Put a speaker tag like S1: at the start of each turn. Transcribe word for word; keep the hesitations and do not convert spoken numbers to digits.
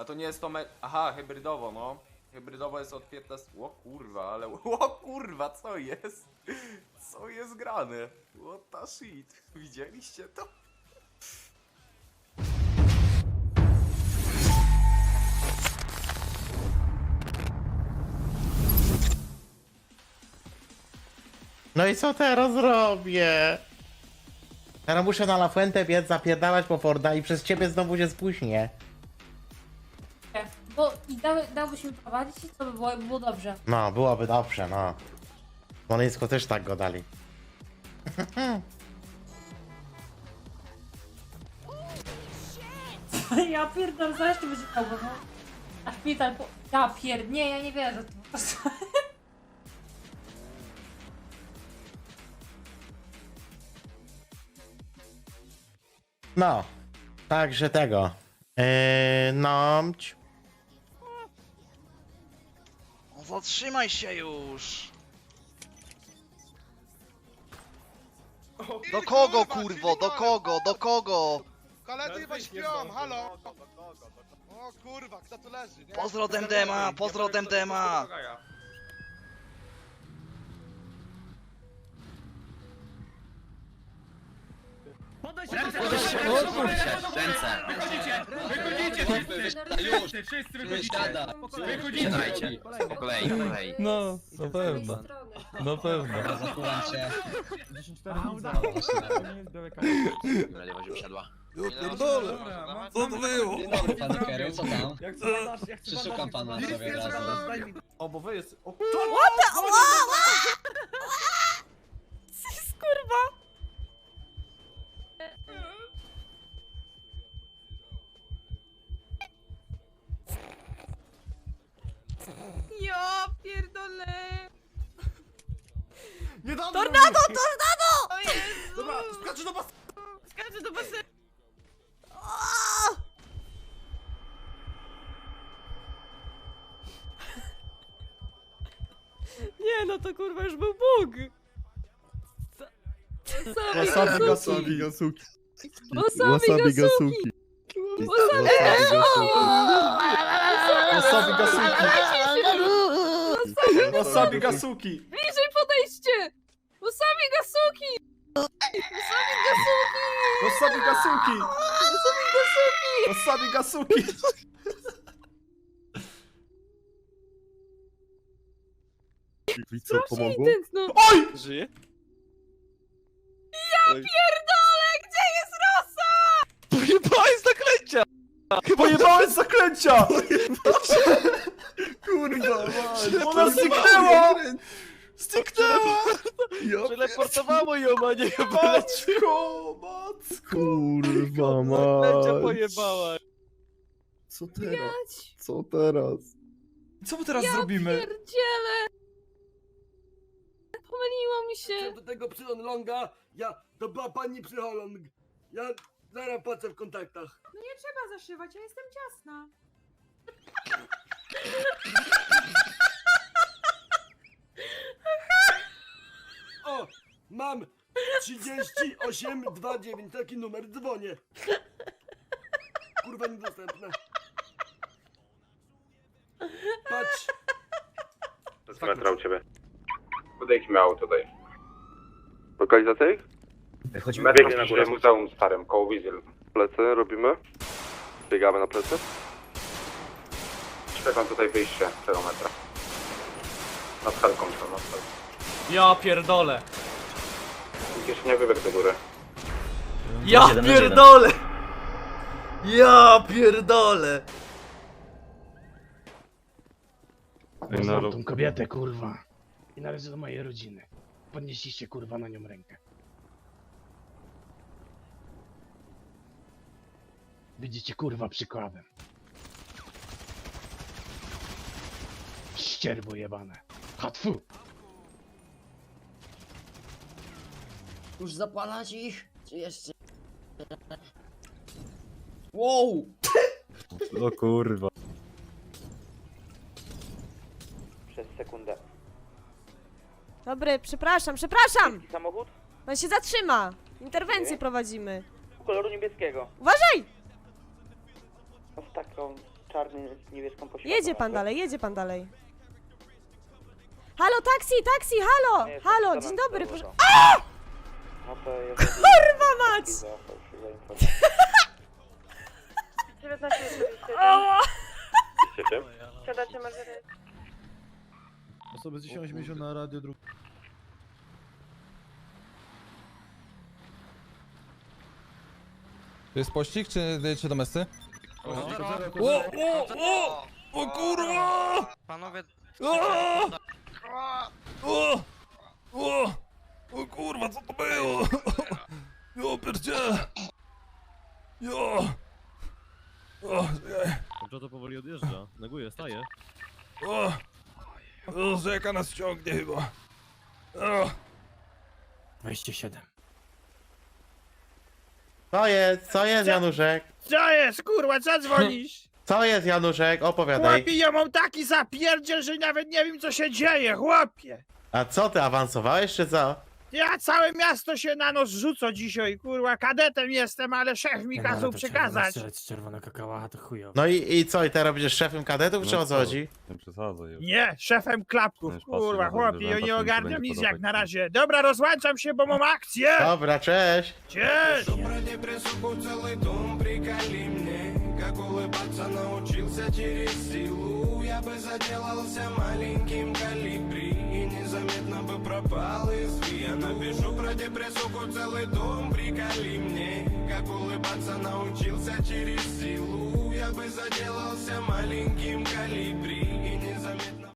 S1: A to nie jest to me... Aha, hybrydowo, no. Hybrydowo jest od piętnastego... O kurwa, ale... O kurwa, co jest? Co jest grane? What the shit? Widzieliście to?
S2: No i co teraz robię? Teraz muszę na La Fuente biec, zapierdalać po Forda i przez ciebie znowu się spóźnię.
S3: Bo i dały, dałbyś mi prowadzić i co by było, jakby było dobrze.
S2: No, byłoby dobrze, no. W Smoleńsku też tak go dali.
S3: Ja pierdolę, zaraz to będzie chciał, no. A szpital po... Ja pierd... Nie, ja nie wierzę to po prostu.
S2: No, także tego. Yy, no.
S4: No zatrzymaj się już! Do kogo kurwo, do kogo, do kogo?
S5: Koledzy chyba śpią, halo! O kurwa, kto tu leży, nie?
S4: Pozdro Demdema, pozdro Demdema!
S6: Już! Wszyscy wychodzicie! Wychodzicie! Po kolei, po kolei.
S7: No, na pewno, na pewno.
S6: Radia właśnie usiadła.
S7: Pierdolę, co to było?
S8: Pan Kerry, co tam? Przeszukam pana sobie razem.
S1: O, bo wy jest... O,
S3: Kurwa! Ja pierdolę!
S1: nie dam!
S3: Tornado, tornado! O Jezu!
S1: Dobra, skaczę do was!
S3: Skaczę do basenu! Nie no, to kurwa już był Bóg!
S7: Wasabi gasuki.
S3: Wasabi
S7: Wasabi gasuki. Wasabi gasuki. Wasabi gasuki.
S3: Bliżej podejście! Wasabi gasuki! Wasabi gasuki!
S7: Wasabi gasuki. Wasabi gasuki. I co, pomogło?
S3: No.
S7: Oj! Żyje?
S3: Ja pierdolę! Gdzie jest Rosa?
S7: Pojebałem z zaklęcia! Pojebałem z zaklęcia! Kurwa, man. Ona zniknęła! Zniknęła!
S8: Teleportowało ją, a nie ją
S7: Matko, matko! Kurwa, mać!
S8: pojebała.
S7: Co teraz? Co teraz? Co my teraz zrobimy?
S3: Pierdziele! Pomyliło mi się.
S9: Do tego psycholonga, ja, to była pani psycholog. Ja zaraz płacę w kontaktach.
S3: No nie trzeba zaszywać, ja jestem ciasna.
S9: O, mam trzydzieści osiem dwadzieścia dziewięć, taki numer, dzwonię. Kurwa niedostępne. Patrz.
S1: To jest metra u ciebie. Podejdźmy auto tutaj. Lokalizacja ich?
S6: Wychodzimy
S1: Biegnie na górę muzeum starym, koło Wizyl. Plecy robimy. Biegamy na plecy. Czekam tutaj wyjście tego metra. Nad helką są, nad helką.
S8: Ja pierdolę.
S1: Nikt jeszcze nie wybiegł do góry.
S8: Ja pierdolę! Ja pierdolę!
S10: Znam tą kobietę, kurwa. I należy do mojej rodziny. Podnieśliście, kurwa, na nią rękę. Widzicie, kurwa, przykładem. Ścierwo jebane. Hatfu!
S9: Już zapalać ich? Czy jeszcze? Wow!
S7: O kurwa.
S1: Przez sekundę.
S11: Dobry, przepraszam, przepraszam!
S1: Samochód?
S11: Pan się zatrzyma! Interwencję prowadzimy.
S1: Koloru niebieskiego.
S11: Uważaj!
S1: Z taką
S12: czarny z niebieską pośladką.
S11: Jedzie pan dalej, jedzie pan dalej. Halo, taksi, taksi, halo!
S12: Nie,
S11: Halo,
S12: to
S11: dzień
S12: nam
S11: dobry,
S12: założą.
S11: proszę.
S12: No to jeżeli...
S11: Kurwa mać!
S12: za fałszywe informacje.
S11: Ała!
S12: Siadacie Margaret?
S7: Osoby z dziesięć miesięcy na radio dru...
S5: To jest pościg, czy, czy domesty?
S9: O, o, o! O kurwa!
S4: Panowie...
S9: O! O! O! O kurwa, co to było? Jo, pierdziele! Jo! O, czekaj.
S7: Dobrze, to powoli odjeżdża. Neguję, staje.
S9: O! O, rzeka nas ciągnie chyba. O!
S10: dwadzieścia siedem.
S2: Co jest? Co jest, Januszek?
S10: Co jest, kurwa, co dzwonisz?
S2: Co jest, Januszek? Opowiadaj.
S10: Chłopie, ja mam taki zapierdziel, że nawet nie wiem, co się dzieje, chłopie.
S2: A co, ty awansowałeś, czy co?
S10: Ja całe miasto się na nos rzuco dzisiaj, kurwa, kadetem jestem, ale szef mi kazał przekazać.
S7: Czerwona kakała, to chujowo.
S2: No i, i co, i teraz będziesz szefem kadetów, czy o co chodzi?
S7: Nie przesadzaj już.
S10: Nie, szefem klapków, kurwa, chłopie, ja nie ogarniam nic jak na razie. Dobra, rozłączam się, bo mam akcję.
S2: Dobra, cześć!
S10: Cześć!
S5: Как улыбаться научился через силу. Я бы заделался маленьким колибри и незаметно бы пропал из ви. Я напишу про депрессуху целый том. Приколи мне, как улыбаться научился через силу. Я бы заделался маленьким колибри и незаметно